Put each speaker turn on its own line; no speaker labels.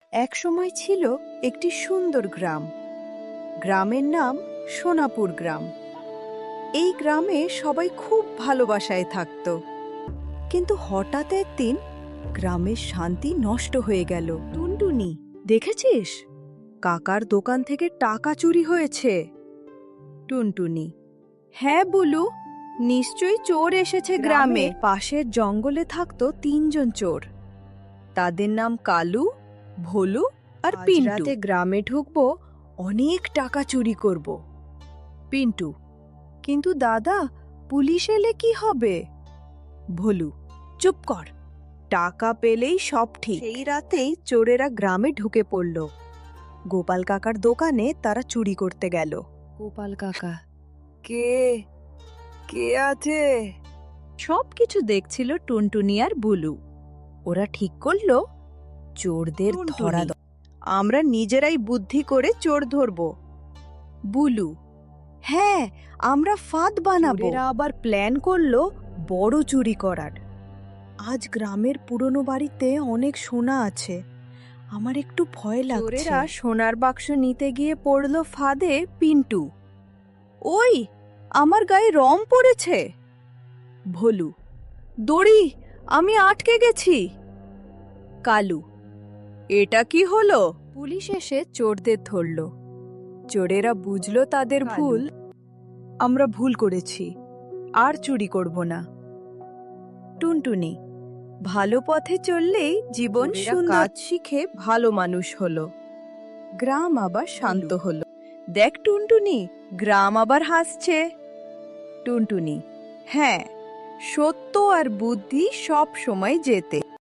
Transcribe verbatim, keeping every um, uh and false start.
এক সময় ছিল একটি সুন্দর গ্রাম। গ্রামের নাম সোনাপুর গ্রাম। এই গ্রামে সবাই খুব ভালোবাসায় থাকত। কিন্তু হঠাৎ একদিন গ্রামের শান্তি নষ্ট হয়ে গেল। টুনটুনি, দেখেছিস? কাকার দোকান থেকে টাকা চুরি হয়েছে। টুনটুনি: হ্যাঁ বুলু, নিশ্চয়ই চোর এসেছে গ্রামে। পাশের জঙ্গলে থাকতো তিনজন চোর। তাদের নাম কালু, ভোলু আর পিন্টু। রাতে গ্রামে ঢুকবো, অনেক টাকা চুরি করব। পিন্টু: কিন্তু দাদা, পুলিশ এলে কি হবে? ভোলু: চুপ কর, টাকা পেলেই সব ঠিক। সেই রাতেই চোরেরা গ্রামে ঢুকে পড়ল। গোপাল কাকার দোকানে তারা চুরি করতে গেল। গোপাল কাকা: কে কে আছে? সব কিছু দেখছিল টুনটুনি আর বুলু। ওরা ঠিক করলো চোরদের ধরা। আমরা নিজেরাই বুদ্ধি করে চোর ধরব। বুলু: হ্যাঁ, আমরা ফাঁদ বানাবো। এরা আবার প্ল্যান করলো বড় চুরি করার। আজ গ্রামের পুরনো বাড়িতে অনেক সোনা আছে, আমার একটু ভয় লাগছে। চোরেরা সোনার বাক্স নিতে গিয়ে পড়লো ফাঁদে পিন্টু। ওই, আমার গায়ে রং পড়েছে। ভোলু: দড়ি, আমি আটকে গেছি। কালু: এটা কি হলো? পুলিশ এসে চোরদের ধরল। চোরেরা বুঝলো তাদের ভুল। আমরা ভুল করেছি, আর চুরি করব না। টুনটুনি: ভালো পথে চললেই জীবন সুন্দর। কাজ শিখে ভালো মানুষ হলো, গ্রাম আবার শান্ত হলো। দেখ টুনটুনি, গ্রাম আবার হাসছে। টুনটুনি: হ্যাঁ, সত্য আর বুদ্ধি সব সময় জেতে।